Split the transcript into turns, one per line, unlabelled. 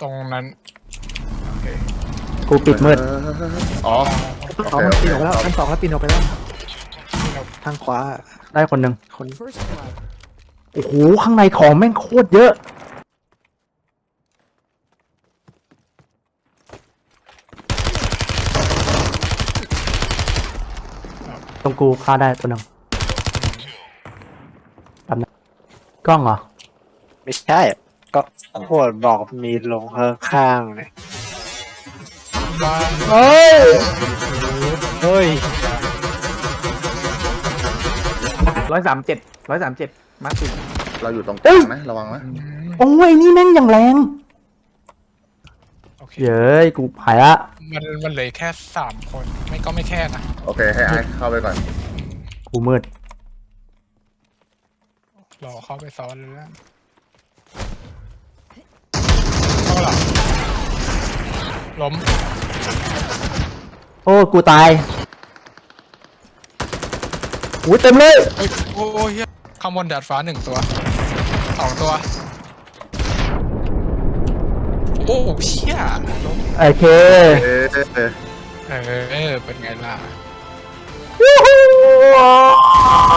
ตรงนั้นโอเค
กูปิดมืด
อ๋อ
อ๋อมันปีนออกไปแล้วชั้นสองแล้วปีนออกไปแล้วทางขวา
ได้คนหนึ่ง
คน
โอ้โหข้างในของแม่งโคตรเยอะตรงกูฆ่าได้ตัวหนึ่งแบบนั้นกล้องเหรอ
ไม่ใช่ก็โคตรบอกมีลงข้างๆเลย
เฮ้ย
เฮ้ย
137มาร์ค
เราอยู่ตรงกลางนะระวังนะ
โอ้ยนี่แม่งอย่างแรง
โอเค
เย้ยกูหายละ
มันเหลือแค่3 คนไม่แค่นะ
โอเคให้ไอ้เข้าไปก่อน
กูมืด
รอเข้าไปซ้อนเลยแล้วเข้าหลังล้ม
โอ้กูตายอุ้ยเต็มเลย
เฮ้ยโอ้ยเหี้ยข้างบนดาดฟ้า1 ตัว2 ตัวโอ้เชี่ยล้ม
โอเค
เอ๊ะ
เป็นไงล่ะ
วู้ฮู้